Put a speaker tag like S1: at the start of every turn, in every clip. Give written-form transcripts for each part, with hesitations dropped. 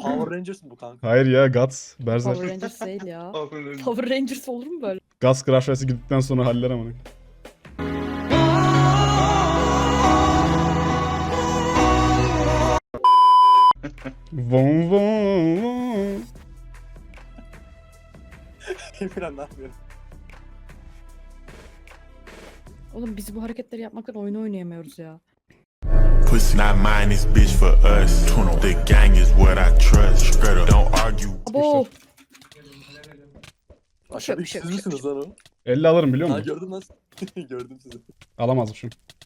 S1: Power Rangers mi bu kanka?
S2: Hayır ya, Guts. Berserk.
S3: Power Rangers değil ya.
S4: Aferin.
S3: Power Rangers olur mu böyle?
S2: Guts Crash Race'e gittikten sonra haller amına. Von von von.
S1: Emirhan ne yapıyorsun?
S3: Oğlum biz bu hareketleri yapmaktan oyun oynayamıyoruz ya.
S5: Pussy not mine, this bitch for us. The gang is what I trust. Straight up, don't argue.
S3: Abo!
S1: Aşağı
S3: Bir şey yok,
S1: siz misiniz lan o?
S2: 50 alırım biliyor
S1: Ha
S2: musun?
S1: gördüm lan. Gördüm sizi.
S2: Alamazmışım.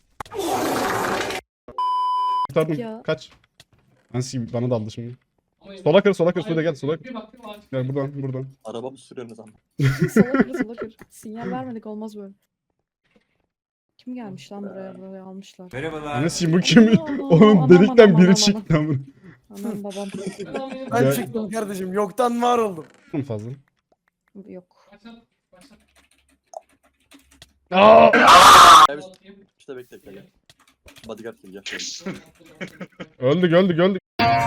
S2: Kurtardım.
S3: Ya.
S2: Kaç. Nasıl bana daldı şimdi. Sola kır, suda gel, sola kır. Gel buradan.
S1: Araba mı sürüyorsunuz ama?
S3: Sola kır. Sinyal vermedik, olmaz böyle. Kim gelmiş lan buraya almışlar.
S2: Anasıyım bu kim? Onun
S3: Aman,
S2: delikten
S3: aman,
S2: biri
S3: aman.
S2: çıktı amına.
S3: Anam babam.
S6: Ben
S2: Ya-
S6: çıktım kardeşim. Yoktan var oldum.
S2: Fazla.
S3: Yok.
S2: Aa!
S1: Gel biz işte bekle gel. Bodyguard gel.
S2: Öldük.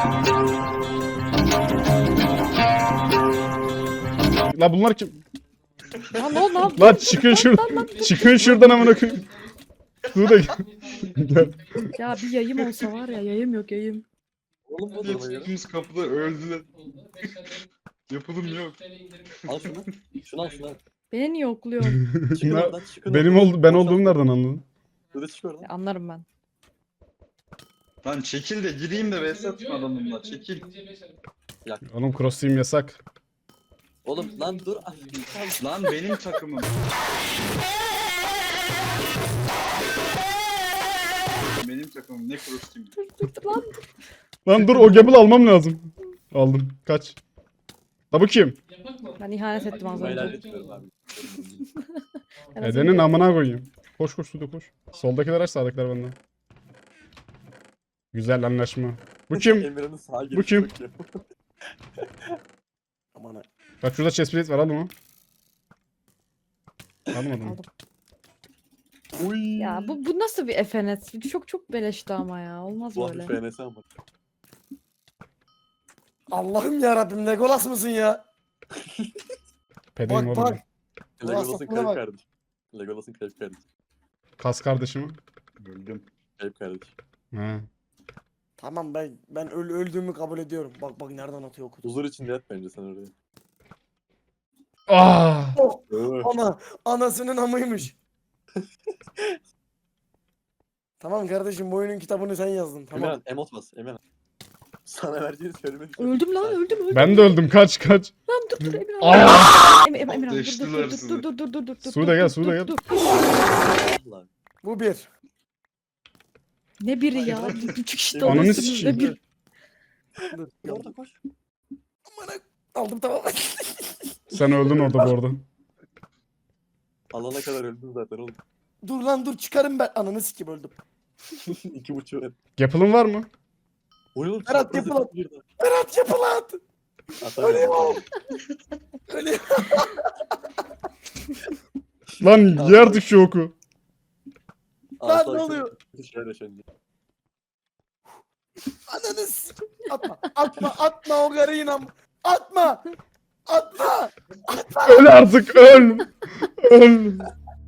S2: La bunlar kim?
S3: Ya ne oldu lan?
S2: Lan çıkın şuradan. Çıkın şuradan amına koyayım. Suda gel.
S3: Ya bir yayım olsa var ya, yayım yok yayım.
S1: Oğlum bu duruma göre.
S4: Yetiştiğimiz kapıda öldüler. Yapılım yok.
S1: Al şunu. Şunu al.
S3: Beni niye yokluyorsun?
S1: Çıkın
S2: Bunlar-
S1: oradan çıkın.
S2: Ben
S1: oradan.
S2: olduğumu nereden anladın?
S1: Hadi çık oradan.
S3: Anlarım ben.
S4: Lan çekil de gireyim de vs atma adamımla. Çekil.
S2: Oğlum cross team yasak.
S1: Oğlum lan dur.
S4: Lan benim takımım. Benim takımım ne cross
S3: Dur lan.
S2: Lan dur, o gamble almam lazım. Aldım. Kaç. La bu kim?
S3: Ben ihanet ettim az
S1: Ben
S3: önce.
S1: ilerletiyorum abi.
S3: En az
S2: Edenin
S3: önce-
S2: amına koyayım. Koş suda koş. Soldakiler aç, sağdakiler benden. Güzel anlaşma. Bu kim?
S1: Emirhan'ın sağa girişi
S2: Bu kim?
S1: çok iyi.
S6: Aman ha.
S2: Bak şurada chest plate var, al onu. Almadım.
S3: Aldım.
S1: Uy.
S3: Ya bu nasıl bir FNS? Çok beleşti ama ya. Olmaz
S1: Bu
S3: böyle.
S1: hafif FNS ama.
S6: Allah'ım yarabbim Legolas mısın ya?
S2: Pedeyim
S6: Bak
S2: oğlum.
S6: bak.
S1: Legolas'ın
S6: safına
S1: kayıp
S6: bak.
S1: kardeşi. Legolas'ın kayıp kardeşi.
S2: Kas kardeşim.
S4: Öldüm.
S1: Kayıp kardeşi.
S2: Ha.
S6: Tamam ben öldüğümü kabul ediyorum. Bak nereden atıyor okudu.
S1: Huzur içinde yat bence sen oraya.
S2: Ah!
S6: Oh,
S1: Öh.
S6: anasının amıymış. Tamam kardeşim bu oyunun kitabını sen yazdın. Tamam.
S1: Emirhan emot bas. Emirhan. Sana vereceğini söylemedim.
S3: Öldüm lan, öldüm.
S2: Ben de öldüm, kaç.
S3: Lan dur Emirhan.
S2: Aa!
S3: Emirhan
S4: Deştiler sizi.
S3: dur.
S2: Suda gel, suda gel.
S1: Allah.
S6: Bu bir.
S3: Ne biri ya? Küçük işte
S2: Ananı
S3: olursunuz,
S2: sikeyim.
S3: ne bir.
S6: Dur.
S1: Orada koş.
S6: Aldım tamam.
S2: Sen öldün orada bu arada.
S1: Alana kadar öldün zaten oğlum.
S6: Dur lan dur çıkarım ben. Ananı sikeyim öldüm.
S1: 2.5 ver.
S2: Gapple'ın var mı?
S1: Oğlum
S6: Berat,
S1: çapraz
S6: yapılan-
S1: yapıp girdi.
S6: Berat yapılat.
S1: Atamıyorum.
S6: Ölüyorum. Ölüyorum.
S2: Lan ye artık şu oku.
S1: Aa,
S6: Lan
S1: sağ
S6: ne
S1: ol,
S6: oluyor?
S1: Bir şeyler yaşandı.
S6: Ananı sikeyim. Atma o karıyı inan. Atma.
S2: Öl artık, öl. Öl.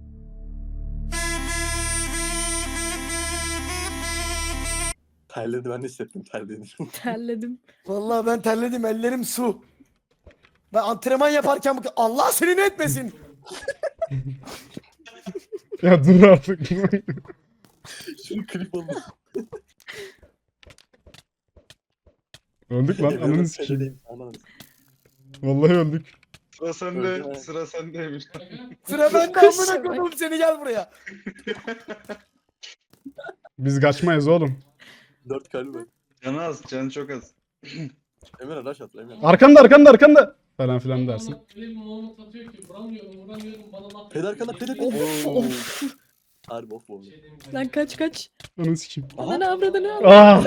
S1: Terledi, ben de hissettim terlediğini.
S3: Terledim.
S6: Vallahi ben terledim ellerim su. Ben antrenman yaparken Allah seni ne etmesin.
S2: Ya dur artık.
S1: Şunu klip oldu.
S2: Öldük lan,
S1: Emirhan'ın
S2: ananı sikeyim.
S1: terlediğim, ananı sikeyim.
S2: Vallahi öldük.
S4: Sıra sende.
S1: Öldüm.
S4: Sıra sendeymiş.
S6: Sıra bende amına koydum seni gel buraya.
S2: Biz kaçmayız oğlum.
S1: 4 kalbi var.
S4: Canı az. Canı çok az.
S1: Emirhan rush at Emirhan.
S2: Arkanda. Falan filan dersin.
S7: Öyle bir moment atıyor ki vuramıyorum bana laf.
S1: Peder arkanda peder.
S3: Of.
S1: Harbi of oldu.
S3: Lan kaç.
S2: Ananı sikeyim.
S3: Ananı avradını.
S2: Ah!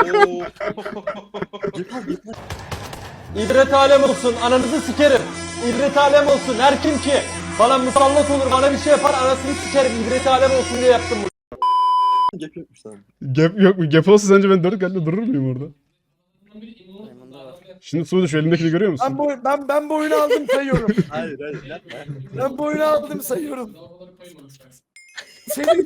S1: Git lan.
S8: İbret alem olsun, ananızı sikerim. İbret alem olsun, her kim ki bana musallat olur, bana bir şey yapar, anasını sikerim. İbret alem olsun diye yaptım bunu.
S1: Gap yokmuş lan.
S2: Gap yok mu? Gap olsa sence ben 4 kalple durur muyum orada?
S3: Maymunlar var.
S2: Şimdi Suudi şu elindekini görüyor musun?
S6: Ben bu oyunu aldım sayıyorum.
S1: Hayır yapma.
S6: Ben bu oyunu aldım sayıyorum.
S7: Lavaboları koymadık bak.
S6: Senin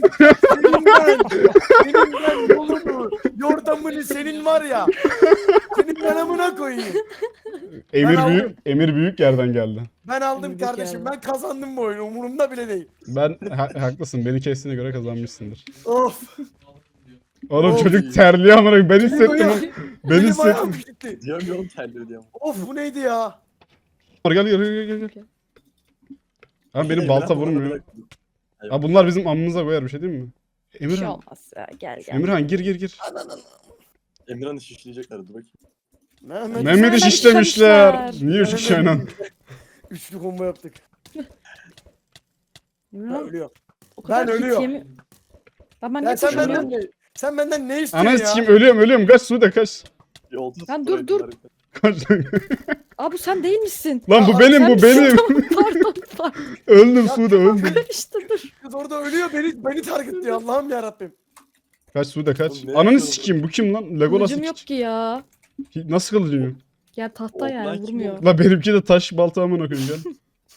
S6: ben yolunu, yordamını senin var ya. Senin ben amına koyayım.
S2: Emir büyük yerden geldi.
S6: Ben aldım
S3: Büyük
S6: kardeşim.
S3: yani.
S6: Ben kazandım bu oyunu. Umurumda bile değil.
S2: Haklısın. Beni kestiğine göre kazanmışsındır.
S6: Of.
S2: Oğlum
S6: Of.
S2: çocuk terliyor amına koyayım. Ben
S6: Benim
S2: hissettim.
S6: ayağım-
S2: Ben
S6: Benim ayağım
S2: hissettim.
S6: gitti.
S1: Diyemiyorum terliyor diyorum.
S6: Of bu neydi ya?
S2: Gel. Abi benim balta vurmuyor. Abi bunlar bizim amımıza koyar bir şey değil mi?
S3: Bir şey
S2: Emirhan.
S3: olmaz ya. Gel gel.
S2: Emirhan gir.
S1: Emirhan'ı şişleyecekler dur bakayım.
S6: Mehmet.
S2: Mehmet'i şişlemişler. Niye üç kişi aynı anda?
S6: Üçlü combo yaptık. Ben
S3: Emirhan,
S6: ölüyorum.
S3: o kadar
S6: Ben
S3: hit
S6: ölüyorum.
S3: yemi- Ben
S6: Ya
S3: ne
S6: sen
S3: koşuyorum?
S6: benden ne istiyorsun
S2: Ananı
S6: ya?
S2: sikeyim ölüyorum. Kaç Suudi kaç.
S1: Bir 30
S3: Lan
S1: para
S3: dur.
S1: ettiler.
S2: Kaç.
S3: Abi sen değil misin?
S2: Lan bu
S6: Aa,
S2: benim
S3: Sen
S2: bu
S3: misin?
S2: benim.
S3: Pardon.
S2: Öldüm Suudi öldüm.
S3: İşte dur.
S6: Kız orada ölüyor beni targetliyor Allah'ım yarabbim.
S2: Kaç Suudi kaç.
S1: Oğlum ne
S2: Ananı
S1: yapıyorsun?
S2: sikeyim bu kim lan? Legolas
S3: Kılıcım yok ki ya.
S2: Nasıl kılıcım yok?
S3: Ya tahta yani
S1: Oğlan kim
S3: vurmuyor.
S2: La benimki de taş balta amına koyayım gel.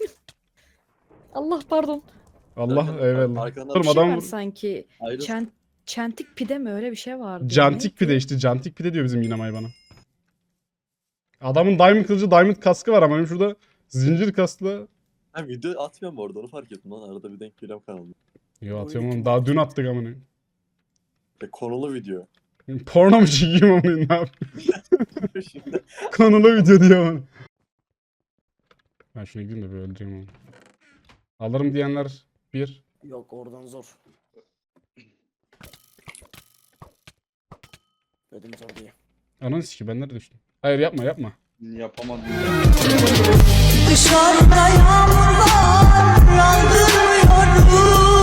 S3: Allah pardon.
S2: Allah eyvallah.
S1: Arkandan
S2: Oğlum
S3: Bir şey
S2: adam
S3: var sanki.
S1: ayrı.
S3: Çentik pide mi öyle bir şey vardı.
S2: Cantik pide işte. Cantik pide diyor bizim Yinamay bana. Adamın diamond kılıcı diamond kaskı var ama benim şurada zincir kaskla.
S1: Ha video atmıyorum orada onu fark ettim lan arada bir denk geliyorum kanalda.
S2: Yo atıyorum oğlum daha dün attık amına.
S1: Konulu video.
S2: Porno mu çekeyim amına ne yapayım?
S1: Şimdi
S2: Konulu video diyor amına. Ben şuna gideyim de bir öldüreyim onu. Alırım diyenler bir.
S6: Yok oradan zor. Dedim zor diye.
S2: Ananı sikeyim ben nerede düştüm? Hayır yapma.
S4: Yapamadım.
S9: Dışarıda yağmur var, aldırmıyorum.